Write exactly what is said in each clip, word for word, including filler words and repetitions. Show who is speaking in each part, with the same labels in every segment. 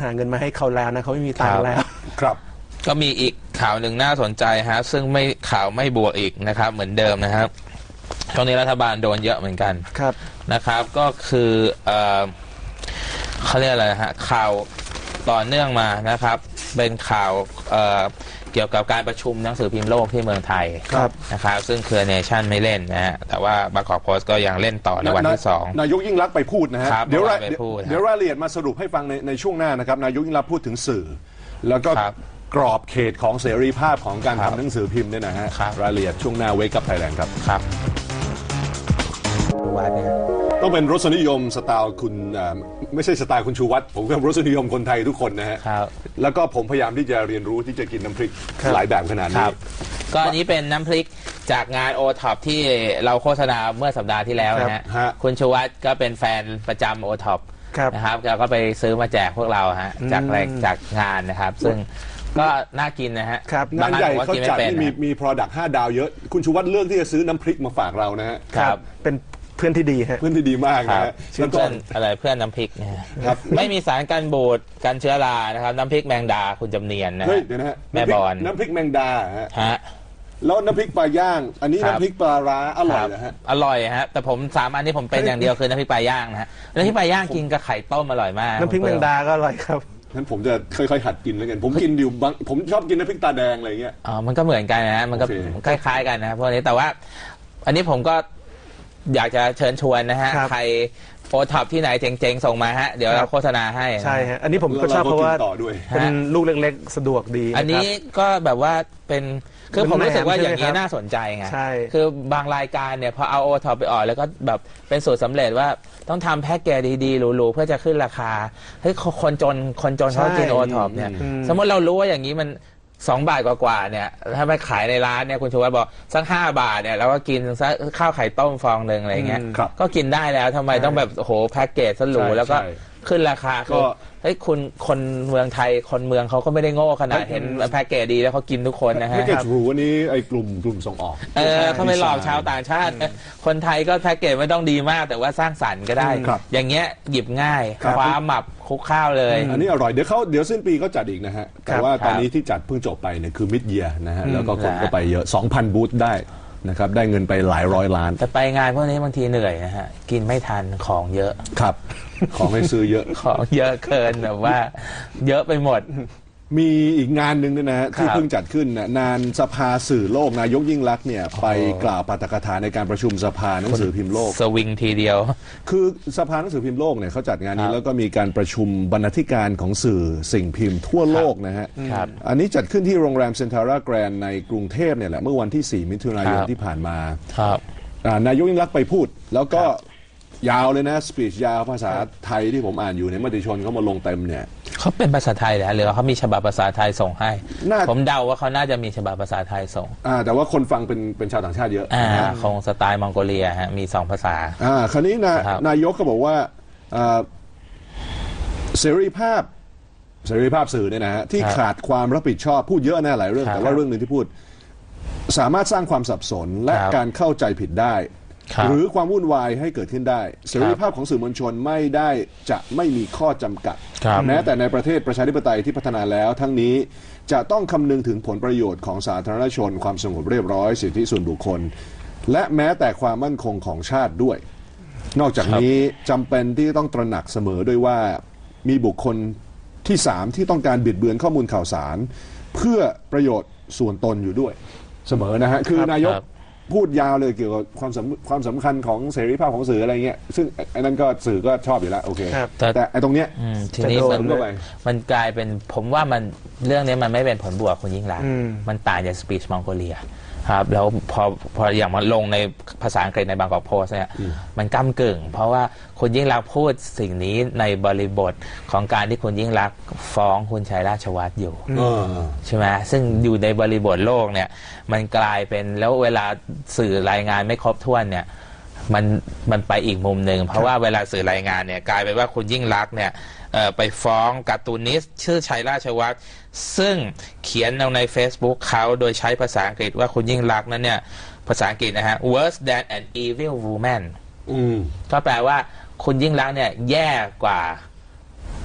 Speaker 1: หาเงินมาให้เขาแล้วนะเขาไม่มีตังค์แล้ว
Speaker 2: ครับ
Speaker 3: ก็มีอีกข่าวหนึ่งน่าสนใจฮะซึ่งไม่ข่าวไม่บวกอีกนะครับเหมือนเดิมนะครับช่วงนี้รัฐบาลโดนเยอะเหมือนกัน
Speaker 1: ครับ
Speaker 3: นะครับก็คือเอ่อเขาเรียกอะไรฮะข่าวต่อเนื่องมานะครับเป็นข่าวเอ่อเกี่ยวกับการประชุมหนังสือพิมพ์โลกที่เมืองไทยนะครับซึ่งเครือเนชั่นไม่เล่นนะฮะแต่ว่าบางกอกโพสต์ก็ยังเล่นต่อในวันที่สอง
Speaker 2: นายกยิ่งรักไปพูดนะฮะ
Speaker 3: เดี๋ยว
Speaker 2: เดี๋ยวรายละเอียดมาสรุปให้ฟังในในช่วงหน้านะครับนายกยิ่งรักพูดถึงสื่อแล้วก็กรอบเขตของเสรีภาพของการทำหนังสือพิมพ์เนี่ยนะฮะรายละเอียดช่วงหน้าเวกับไทยแลนด์ครับ
Speaker 3: ครับ
Speaker 2: ต้องเป็นรสนิยมสไตล์คุณไม่ใช่สไตล์คุณชูวัฒน์ผมก็รสนิยมคนไทยทุกคนนะฮะแล้วก็ผมพยายามที่จะเรียนรู้ที่จะกินน้ำพริกหลายแบบขนาดนี้
Speaker 3: ก็อันนี้เป็นน้ำพริกจากงานโอท็อปที่เราโฆษณาเมื่อสัปดาห์ที่แล้วนะฮะคุณชูวัฒน์ก็เป็นแฟนประจำโอท็อปนะครับเราก็ไปซื้อมาแจกพวกเราฮะจากแรงจากงานนะครับซึ่งก็น่ากินนะฮะ
Speaker 2: งานใหญ่เขาจัดที่มีมี product ห้าดาวเยอะคุณชูวัฒน์เลือกที่จะซื้อน้ำพริกมาฝากเรานะฮะ
Speaker 3: ครับ
Speaker 1: เป็นเพื่อนที่ดีฮะ
Speaker 2: เพื่อนที่ดีมากนะฮะ
Speaker 3: แล้วก็อะไรเพื่อนน้ำพริกนะฮะไม่มีสารกันบูดกันเชื้อรานะครับน้ำพริกแมงดาคุณจำเนียนนะ
Speaker 2: เฮ้ยเดี๋ยวนะฮะ
Speaker 3: แม่บอล
Speaker 2: น้ำพริกแมงดาฮะแล้วน้ำพริกปลาย่างอันนี้น้ำพริกปลาร้าอร่อยนะฮะ
Speaker 3: อร่อยฮะแต่ผมสามอันนี้ผมเป็นอย่างเดียวคือน้ำพริกปลาย่างนะฮะน้ำพริกปลาย่างกินกับไข่ต้มอร่อยมาก
Speaker 1: น้ำพริกแมงดาก็อร่อยครับ
Speaker 2: งั้นผมจะค่อยๆหัดกินแล้วกันผมกินอยู่บางผมชอบกินน้ำพริกตาแดงอะไรเงี้ย
Speaker 3: อ๋อมันก็เหมือนกันนะมันก็คล้ายๆกันนะพวกนี้แต่ว่าอันนี้ผมก็อยากจะเชิญชวนนะฮะใครโอท็อปที่ไหนเจ๋งๆส่งมาฮะเดี๋ยวเราโฆษณาให้
Speaker 1: ใช่ฮะอันนี้ผมก็ชอบเพราะว่าเป็นลูกเล็กๆสะดวกดี
Speaker 3: อันนี้ก็แบบว่าเป็นคือผมรู้สึกว่าอย่างนี้น่าสนใจไงคือบางรายการเนี่ยพอเอาโอท็อปไปออกแล้วก็แบบเป็นสูตรสำเร็จว่าต้องทำแพ็กเกจดีๆหรูๆเพื่อจะขึ้นราคาเฮ้ยคนจนคนจนเขากินโอท็อปเนี่ยสมมติเรารู้ว่าอย่างนี้มันสองบาทกว่าๆเนี่ยถ้าไปขายในร้านเนี่ยคุณชูวัฒน์บอกสักห้าบาทเนี่ยเราก็กินสักข้าวไข่ต้มฟองหนึ่งอะไรเงี้ยก็กินได้แล้วทำไมต้องแบบโหแพ็กเกจสรูแล้วก็ขึ้นราคาก็เฮ้ยคุณคนเมืองไทยคนเมืองเขาก็ไม่ได้โง่ขนาดเห็นแพ็กเกจดีแล้วเขากินทุกคนนะฮะ
Speaker 2: แพ็กเกจหรูวันนี้ไอ้กลุ่มกลุ่มส่งออก
Speaker 3: เออเขาไม่หลอกชาวต่างชาติคนไทยก็แพ็กเกจไม่ต้องดีมากแต่ว่าสร้างสรรค์ก็ได้อย่างเงี้ยหยิบง่ายคว้าหมับคุกข้าวเลย
Speaker 2: อันนี้อร่อยเดี๋ยวเขาเดี๋ยวสิ้นปีก็จัดอีกนะฮะแต่ว่าตอนนี้ที่จัดเพิ่งจบไปเนี่ยคือมิดเยียร์นะฮะแล้วก็คนก็ไปเยอะ สองพัน บูธได้นะครับได้เงินไปหลายร้อยล้าน
Speaker 3: แต่ไปงานพวกนี้บางทีเหนื่อยนะฮะกินไม่ทันของเยอะ
Speaker 2: ครับของให้ซื้อเยอะ
Speaker 3: ของเยอะเกินแบบว่าเยอะไปหมด
Speaker 2: มีอีกงานหนึ่งนะฮะที่เพิ่งจัดขึ้นนะนานสภาสื่อโลกนายกยิ่งลักษณ์เนี่ยไปกล่าวปาฐกถาในการประชุมสภาหนังสือพิมพ์โลก
Speaker 3: สวิงทีเดียว
Speaker 2: คือสภาหนังสือพิมพ์โลกเนี่ยเขาจัดงานนี้แล้วก็มีการประชุมบรรณาธิการของสื่อสิ่งพิมพ์ทั่วโลกนะฮะอันนี้จัดขึ้นที่โรงแรมเซ็นทรัลแกรนด์ในกรุงเทพเนี่ยแหละเมื่อวันที่สี่มิถุนายนที่ผ่านมานายกยิ่งลักษณ์ไปพูดแล้วก็ยาวเลยนะสปีชยาวภาษาไทยที่ผมอ่านอยู่ในมติชนเขามาลงเต็มเนี่ย
Speaker 3: เขาเป็นภาษาไทยเหรอหรือเขามีฉบับภาษาไทยส่งให้ผมเดาว่าเขาน่าจะมีฉบับภาษาไทยส่ง
Speaker 2: อ่าแต่ว่าคนฟังเป็นเป็นชาวต่างชาติเยอะ
Speaker 3: อ่าคงสไตล์มองโกเลียฮะมีสองภาษา
Speaker 2: อ่าคราวนี้นะนายกก็บอกว่าเสรีภาพเสรีภาพสื่อเนี่ยนะฮะที่ขาดความรับผิดชอบพูดเยอะนะหลายเรื่องแต่ว่าเรื่องหนึ่งที่พูดสามารถสร้างความสับสนและการเข้าใจผิดได้หรือความวุ่นวายให้เกิดขึ้นได้เสรีภาพของสื่อมวลชนไม่ได้จะไม่มีข้อจำกัดแม้แต่ในประเทศประชาธิปไตยที่พัฒนาแล้วทั้งนี้จะต้องคำนึงถึงผลประโยชน์ของสาธารณชนความสงบเรียบร้อยสิทธิส่วนบุคคลและแม้แต่ความมั่นคงของชาติด้วยนอกจากนี้จำเป็นที่ต้องตระหนักเสมอด้วยว่ามีบุคคลที่สามที่ต้องการบิดเบือนข้อมูลข่าวสารเพื่อประโยชน์ส่วนตนอยู่ด้วยเสมอนะฮะคือนายกพูดยาวเลยเกี่ยวกับความสำความสำคัญของเสรีภาพของสื่ออะไรเงี้ยซึ่งไอ้นั่นก็สื่อก็ชอบอยู่แล้วโอเคแต่ไอ้ตรงเนี้ย
Speaker 3: ทีนี้มันมันกลายเป็นผมว่ามันเรื่องนี้มันไม่เป็นผลบวกคุณยิ่งรักมันต่างจากสปีชมองโกเลียครับแล้วพอพออย่างมาลงในภาษาอังกฤษในบางกอกโพสต์เนี่ยมันก้ำกึ่งเพราะว่าคุณยิ่งรักพูดสิ่งนี้ในบริบทของการที่คุณยิ่งรักฟ้องคุณชัยราชวัฒน์อยู่ใช่ไหมซึ่งอยู่ในบริบทโลกเนี่ยมันกลายเป็นแล้วเวลาสื่อรายงานไม่ครบถ้วนเนี่ยมันมันไปอีกมุมหนึ่งเพราะว่าเวลาสื่อรายงานเนี่ยกลายเป็นว่าคุณยิ่งรักเนี่ยไปฟ้องการ์ตูนิสต์ชื่อชัยราชวัฒน์ซึ่งเขียนลงใน Facebook เขาโดยใช้ภาษาอังกฤษว่าคุณยิ่งรักนั้นเนี่ยภาษาอังกฤษนะฮะ worse than an evil woman ก็แปลว่าคุณยิ่งรักเนี่ยแย่กว่า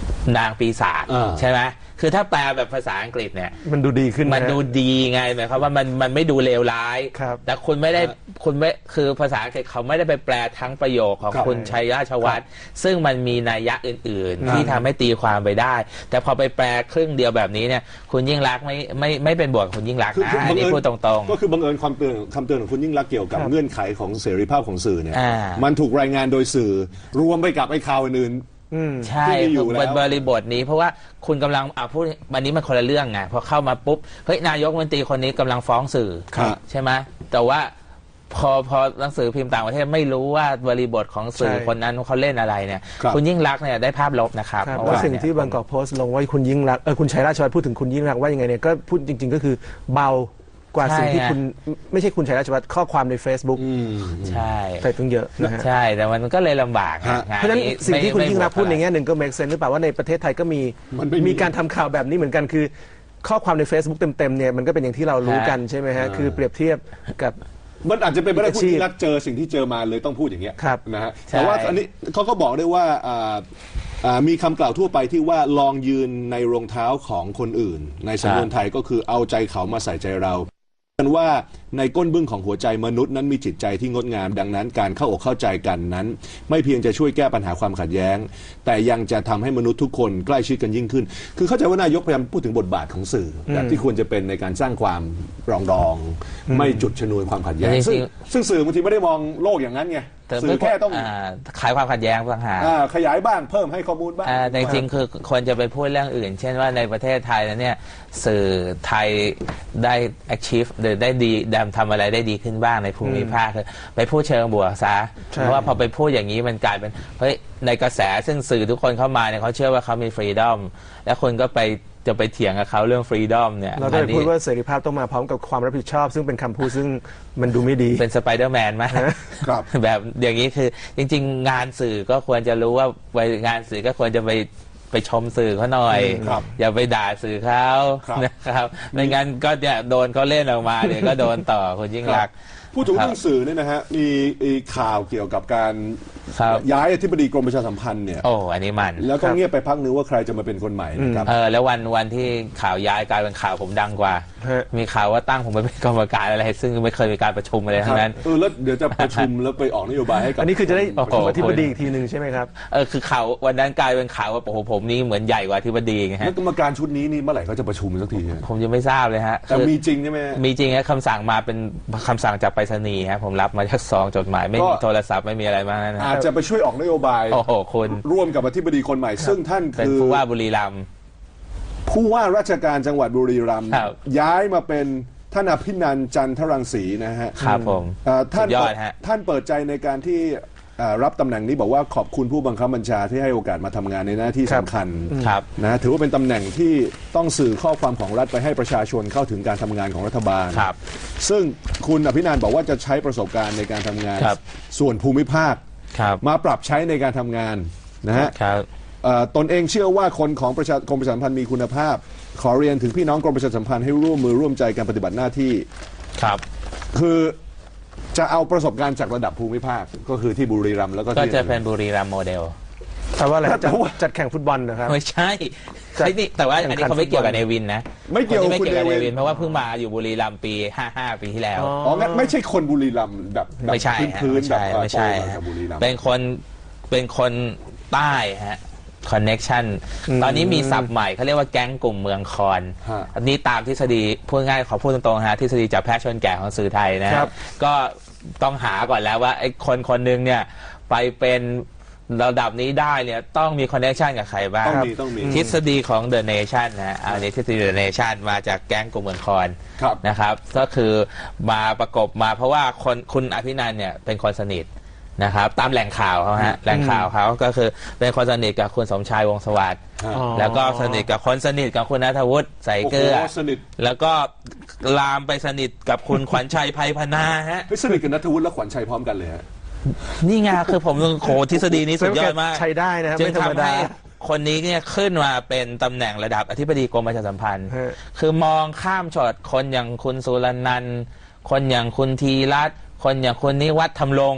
Speaker 3: นางปีศาจใช่ไหมคือถ้าแปลแบบภาษาอังกฤษเนี่ย
Speaker 1: มันดูดีขึ้น
Speaker 3: มันดูดีไงหมายความว่ามันมันไม่ดูเลวร้ายแต่คุณไม่ได้คุณไม่คือภาษาอังกฤษเขาไม่ได้ไปแปลทั้งประโยคของคุณชัยราชวัฒน์ซึ่งมันมีนัยยะอื่นๆที่ทำให้ตีความไปได้แต่พอไปแปลครึ่งเดียวแบบนี้เนี่ยคุณยิ่งรักไม่ไม่ไม่เป็นบวกคุณยิ่งรักนะอันนี้พูดตรงๆ
Speaker 2: ก็คือบังเอิญความเตือนคำเตือนของคุณยิ่งรักเกี่ยวกับเงื่อนไขของเสรีภาพของสื่อเนี่ยมันถูกรายงานโดยสื่อรวมไปกับไอ้ข่าวอื่น
Speaker 3: ใช่เป็นบริบทนี้เพราะว่าคุณกำลังอ่าพูดวันนี้มันคนละเรื่องไงพอเข้ามาปุ๊บเฮ้ยนายกรัฐมนตรีคนนี้กำลังฟ้องสื่อใช่ไหมแต่ว่าพอพอหนังสือพิมพ์ต่างประเทศไม่รู้ว่าบริบทของสื่อคนนั้นเขาเล่นอะไรเนี่ยคุณยิ่งรักเนี่ยได้ภาพลบนะครับ
Speaker 1: เพราะสิ่งที่บางกอกโพสต์ลงว่าคุณยิ่งรักเออคุณชัยราชวัฒน์พูดถึงคุณยิ่งรักว่ายังไงเนี่ยก็พูดจริงๆก็คือเบากว่าสิ่งที่คุณไม่ใช่คุณชัยราชวัฒน์ข้อความใน Facebook
Speaker 3: ใช่
Speaker 1: ใส่ถึงเยอะนะฮะ
Speaker 3: ใช่แต่มันก็เลยลำบาก
Speaker 1: เพราะฉะนั้นสิ่งที่คุณยิ่งรักพูดในแง่หนึ่งก็ make sense หรือเปล่าว่าในประเทศไทยก็มีมีการทำข่าวแบบนี้เหมือนกันคือข้อความใน Facebook เต็มๆเนี่ยมันก็เป็นอย่างที่เรารู้กันใช่ไหมฮะคือเปรียบเทียบกับ
Speaker 2: มันอาจจะเป็นไปได้คุณยิ่งรักเจอสิ่งที่เจอมาเลยต้องพูดอย่างเงี้ยนะฮะแต่ว่าอันนี้เขาก็บอกได้ว่ามีคำกล่าวทั่วไปที่ว่าลองยืนในรองเท้าของคนอื่นในสำนวนไทยก็คือเอาใจเขามาใส่ใจเรากันว่าในก้นบึ้งของหัวใจมนุษย์นั้นมีจิตใจที่งดงามดังนั้นการเข้าอกเข้าใจกันนั้นไม่เพียงจะช่วยแก้ปัญหาความขัดแย้งแต่ยังจะทำให้มนุษย์ทุกคนใกล้ชิดกันยิ่งขึ้นคือเข้าใจว่านายกพยายามพูดถึงบทบาทของสื่อแบบที่ควรจะเป็นในการสร้างความปรองดองไม่จุดชนวนความขัดแย้งซึ่งซึ่งสื่อบางทีไม่ได้มองโลกอย่างนั้นไงสื่อแค่ต้อง
Speaker 3: ขายความขัดแย้งต่างหาก
Speaker 2: ขยายบ้างเพิ่มให้ข้อมูลบ้าง
Speaker 3: แต่จริงๆคือควรจะไปพูดเรื่องอื่นเช่นว่าในประเทศไทยเนี่ยสื่อไทยได้ achieve หรือได้ดีดำทำอะไรได้ดีขึ้นบ้างในภูมิภาคคือไปพูดเชิงบวกซะเพราะว่าพอไปพูดอย่างนี้มันกลายเป็นเฮ้ยในกระแสซึ่งสื่อทุกคนเข้ามาเนี่ยเขาเชื่อว่าเขามี freedom แล้วคนก็ไปจะไปเถียงกับเขาเรื่อง freedom เนี่ย
Speaker 1: เราได้พูดว่าเสรีภาพต้องมาพร้อมกับความรับผิดชอบซึ่งเป็นคำพูดซึ่งมันดูไม่ดี
Speaker 3: เป็นสไปเดอร์แมนมากแบบอย่างนี้คือจริงๆงานสื่อก็ควรจะรู้ว่าไปงานสื่อก็ควรจะไปไปชมสื่อเขาหน่อยอย่าไปด่าสื่อเขานะครับไม่งั้นก็เนี่ยโดนเขาเล่นออกมาเดี๋ยวก็โดนต่อคุณยิ่งรัก
Speaker 2: พูดถึงเรื่องสื่อเนี่ยนะฮะมีข่าวเกี่ยวกับการย้ายอธิบดีกรมประชาสัมพันธ์เนี่ย
Speaker 3: โอ้อันนี้มัน
Speaker 2: แล้วก็เงียบไปพักนึงว่าใครจะมาเป็นคนใหม่นะครับ
Speaker 3: เออแล้ววันวันที่ข่าวย้ายกลายเป็นข่าวผมดังกว่ามีข่าวว่าตั้งผมไปเป็นกรรมการอะไรซึ่งไม่เคยมีการประชุมอะไรทั้งนั้น
Speaker 2: เออแล้วเดี๋ยวจะประชุมแล้วไปออกนโยบายให้กับ
Speaker 1: อันนี้คือจะได้อธิบดีอีกทีหนึ่งใช่ไหมครับ
Speaker 3: เออคือข่าววันนั้นกลายเป็นข่าวว่าโอ้โหผมนี่เหมือนใหญ่กว่าอธิบดีไงฮะ
Speaker 2: แล้วกรรมการชุดนี้นี่เมื่อไหร่เขาจะประชุมสักที
Speaker 3: ผมยังไม่ทราบเลยฮะ
Speaker 2: แต่มีจริงใช่ไหม
Speaker 3: มีจริงฮะคำสั่งมาเป็นคำสั่งจากไปรษณีย์ฮะผมรับมาจากซองจดหมายไม่มีโทรศัพท์ไม่มีอะไรมากนะ
Speaker 2: อาจจะไปช่วยออกนโยบาย
Speaker 3: โอ้โหคุณ
Speaker 2: ร่วมกับอธิบดีคนใหม่ซึ่งท่าน
Speaker 3: คือผู้ว่าบุรีรัมย์
Speaker 2: ผู้ว่าราชการจังหวัดบุรีรัมย์ย้ายมาเป็นท่านอภินันท์จันทรังสีนะฮะ
Speaker 3: ครับผม
Speaker 2: ท่านท่านเปิดใจในการที่รับตำแหน่งนี้บอกว่าขอบคุณผู้บังคับบัญชาที่ให้โอกาสมาทำงานในหน้าที่สำคัญนะถือว่าเป็นตำแหน่งที่ต้องสื่อข้อความของรัฐไปให้ประชาชนเข้าถึงการทำงานของรัฐบาลซึ่งคุณอภินันท์บอกว่าจะใช้ประสบการณ์ในการทำงานส่วนภูมิภาคมาปรับใช้ในการทำงานนะฮะตนเองเชื่อว่าคนของประชากรมประชาสัมพันธ์มีคุณภาพขอเรียนถึงพี่น้องกรมประชาสัมพันธ์ให้ร่วมมือร่วมใจการปฏิบัติหน้าที่
Speaker 3: ครับ
Speaker 2: คือจะเอาประสบการณ์จากระดับภูมิภาคก็คือที่บุรีรัมย์แล้วก็
Speaker 3: ก็จะเป็นบุรีรัมย์โมเดล
Speaker 1: แต่ว่าอะไรจัดแข่งฟุตบอลนะครับ
Speaker 3: ไม่ใช่ใช่นี่แต่ว่าอันนี้เขาไม่เกี่ยวกับเนวินนะ
Speaker 2: ไม่เกี่ยว
Speaker 3: ไม่เกี่ยวกับเนวินเพราะว่าเพิ่งมาอยู่บุรีรัมย์ปีห้าสิบห้าปีที่แล้ว
Speaker 2: อ๋องั้นไม่ใช่คนบุรีรัมย์แบบ
Speaker 3: ไม่ใช่
Speaker 2: พื้นๆแบบ
Speaker 3: ไม่ใช่เป็นคนเป็นคนใต้ฮะคอนเน็กชันตอนนี้มีศัพท์ใหม่เขาเรียกว่าแก๊งกลุ่มเมืองคอนอันนี้ตามทฤษฎีพูดง่ายขอพูดตรงๆฮะทฤษฎีจับแพะชนแกะของสื่อไทยนะครับก็ต้องหาก่อนแล้วว่าไอ้คนคนหนึ่งเนี่ยไปเป็นระดับนี้ได้เนี่ยต้องมีคอนเนคชันกับใครบ้าง
Speaker 2: ต้องมีต้องมี
Speaker 3: ทฤษฎีของ The Nation นะอันนี้ทฤษฎี The Nation มาจากแก๊งกลุ่มเมืองคอนนะครับก็คือมาประกบมาเพราะว่าคนคุณอภินันท์เนี่ยเป็นคนสนิทนะครับตามแหล่งข่าวเขาฮะแหล่งข่าวเขาก็คือเป็นคนสนิทกับคุณสมชายวงศ์สวัสดิ์แล้วก็สนิทกับคนสนิทกับคุณณัฐวุฒิใส่เกลือแล้วก็ลามไปสนิทกับคุณขวัญชัยไพพนาฮะ
Speaker 2: สนิทกับณัฐวุฒิและขวัญชัยพร้อมกันเลยฮะ
Speaker 3: นี่ไงคือผมโหทฤษฎีนี้สุดยอดมาก
Speaker 1: ใช้ได้นะครับ
Speaker 3: จึงทำให้คนนี้เนี่ยขึ้นมาเป็นตำแหน่งระดับอธิบดีกรมประชาสัมพันธ์คือมองข้ามช็อตคนอย่างคุณสุรนันท์คนอย่างคุณธีรัตน์คนอย่างคุณนิวัฒน์ธรรมรงค์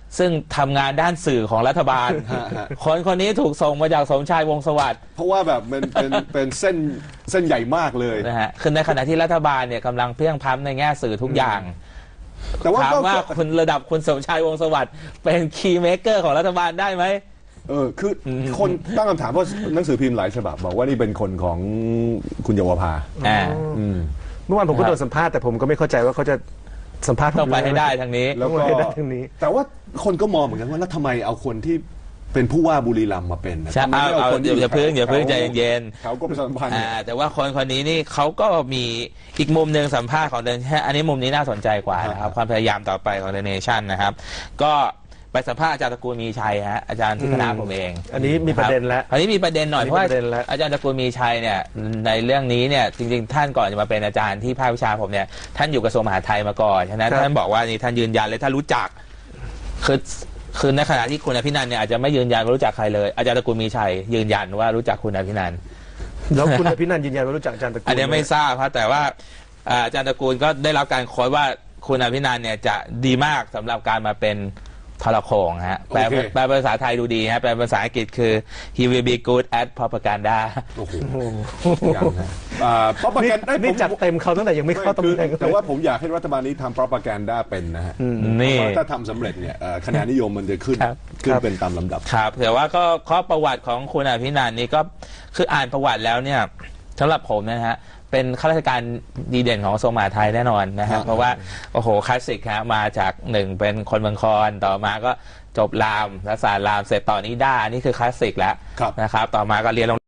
Speaker 3: ซึ่งทำงานด้านสื่อของรัฐบาล คนคนนี้ถูกส่งมาจากสมชายวงศ์สวัสดิ์
Speaker 2: เพราะว่าแบบมันเป็นเป็นเส้นเส้นใหญ่มากเลย
Speaker 3: นะฮะคือในขณะที่รัฐบาลเนี่ยกำลังเพียงพล้ำในแง่สื่อทุกอย่าง
Speaker 2: แต่ว่า
Speaker 3: ถามว่าคุณระดับคุณสมชายวงศ์สวัสดิ์เป็นคีย์เมเกอร์ของรัฐบาลได้ไหม
Speaker 2: เออคือคนตั้งคำถามเพราะหนังสือพิมพ์หลายฉบับบอกว่านี่เป็นคนของคุณเยาวภา
Speaker 3: อ่า
Speaker 1: เมื่อวานผมก็โดนสัมภาษณ์แต่ผมก็ไม่เข้าใจว่าเขาจะสัมภาษณ์
Speaker 3: ต้องไปให้ได้ทางนี้
Speaker 2: แล้วก็แต่ว่าคนก็มองเหมือนกันว่าแล้วทำไมเอาคนที่เป็นผู้ว่าบุรีรัมย์มาเป็น
Speaker 3: ใช่เอาเอาอย่าเพิ่งอย่าเพิ่งใจเย็น
Speaker 2: ๆเขาก็เป็นสัมพันธ์
Speaker 3: แต่ว่าคนคนนี้นี่เขาก็มีอีกมุมหนึ่งสัมภาษณ์ของเดนอันนี้มุมนี้น่าสนใจกว่านะครับความพยายามต่อไปของเดนเนชั่นนะครับก็ไปสัมภาษณ์อาจารย์ตระกูลมีชัยฮะอาจารย์ที่คณะผมเอง
Speaker 1: อันนี้มีประเด็นแล้ว
Speaker 3: อันนี้มีประเด็นหน่อยเพราะว่าอาจารย์ตระกูลมีชัยเนี่ยในเรื่องนี้เนี่ยจริงๆท่านก่อนจะมาเป็นอาจารย์ที่ภาควิชาผมเนี่ยท่านอยู่กระทรวงมหาดไทยมาก่อนฉะนั้นท่านบอกว่านี่ท่านยืนยันเลยท่านรู้จักคือคือในขณะที่คุณอภินันท์เนี่ยอาจจะไม่ยืนยันว่ารู้จักใครเลยอาจารย์ตระกูลมีชัยยืนยันว่ารู้จักคุณอภินันท์
Speaker 1: แล้วคุณอภินันท์ยืนยันว่ารู้จักอาจารย์ตระกูล
Speaker 3: อันนี้ไม่ทราบครับแต่ว่าอาจารย์ตระกูลก็ได้รับการโค้ดว่าคุณอภินันท์เนี่ยจะดีมากสำหรับการมาเป็นทรโขงฮะแปลแปลภาษาไทยดูดีฮะแปลภาษาอังกฤษคือ he will be good at propaganda
Speaker 2: โอ้โหอย่างนะอ่า propaganda
Speaker 1: นี่จัดเต็มเขาตั้งแต่ยังไม่เข้าตำแหน่ง
Speaker 2: แต่ว่าผมอยากให้รัฐบาลนี้ทำ propaganda เป็นนะฮะ
Speaker 3: นี่
Speaker 2: ถ้าทำสำเร็จเนี่ยคะแนนนิยมมันจะขึ้นขึ้นเป็นตามลำดับ
Speaker 3: ครับแต่ว่าก็ข้อประวัติของคุณอภินันท์นี่ก็คืออ่านประวัติแล้วเนี่ยสำหรับผมนะฮะเป็นข้าราชการดีเด่นของกระทรวงมหาดไทยแน่นอนนะฮะเพราะว่าโอ้โหคลาสสิกฮะมาจากหนึ่งเป็นคนเมืองคอนต่อมาก็จบรามรัฐศาสตร์รามเสร็จต่อนิด้านี่คือคลาสสิกแล้วนะครับต่อมาก็เรียน